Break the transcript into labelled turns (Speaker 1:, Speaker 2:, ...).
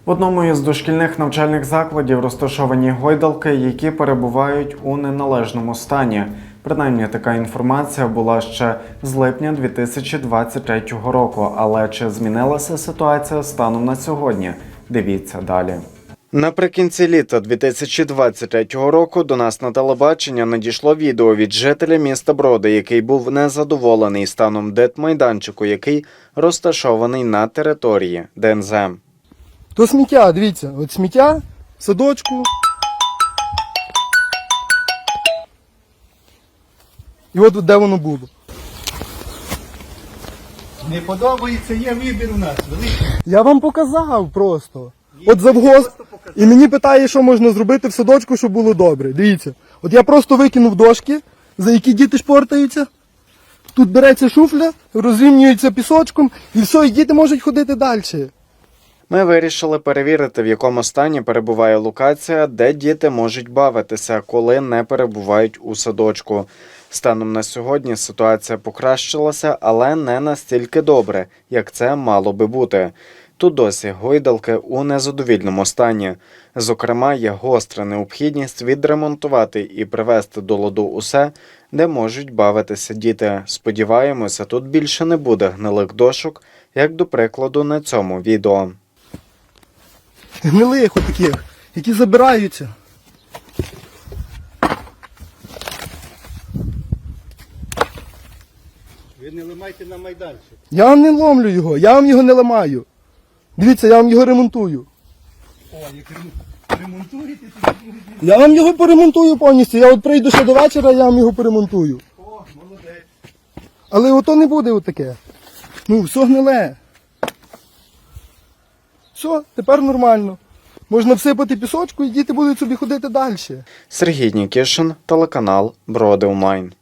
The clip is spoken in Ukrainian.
Speaker 1: В одному із дошкільних навчальних закладів розташовані гойдалки, які перебувають у неналежному стані. Принаймні, така інформація була ще з липня 2023 року. Але чи змінилася ситуація станом на сьогодні? Дивіться далі. Наприкінці літа 2023 року до нас на телебачення надійшло відео від жителя міста Броди, який був незадоволений станом дитмайданчику, який розташований на території ДНЗ.
Speaker 2: То сміття, дивіться, от сміття, в садочку. І от де воно було.
Speaker 3: Не подобається, є вибір у нас. Великий.
Speaker 2: Я вам показав просто. От завгосп. І мені питає, що можна зробити в садочку, щоб було добре. Дивіться. От я просто викинув дошки, за які діти шпортаються. Тут береться шуфля, розрівнюється пісочком, і все, і діти можуть ходити далі.
Speaker 1: Ми вирішили перевірити, в якому стані перебуває локація, де діти можуть бавитися, коли не перебувають у садочку. Станом на сьогодні ситуація покращилася, але не настільки добре, як це мало би бути. Тут досі гойдалки у незадовільному стані. Зокрема, є гостра необхідність відремонтувати і привести до ладу усе, де можуть бавитися діти. Сподіваємося, тут більше не буде гнилих дошок, як, до прикладу, на цьому відео.
Speaker 2: Гнилих отаких, які забираються.
Speaker 3: Ви не ламайте на майданчик.
Speaker 2: Я вам не ломлю його, я вам його не ламаю. Дивіться, я вам його ремонтую.
Speaker 3: О, як ремонтуєте, то
Speaker 2: Я вам його поремонтую повністю. Я от прийду ще до вечора, я вам його поремонтую.
Speaker 3: о, молодець.
Speaker 2: Але ото не буде отаке. Ну, все гниле. Все, тепер нормально. Можна всипати пісочку і діти будуть собі ходити далі.
Speaker 1: Сергій Нікішин, телеканал Броди Онлайн.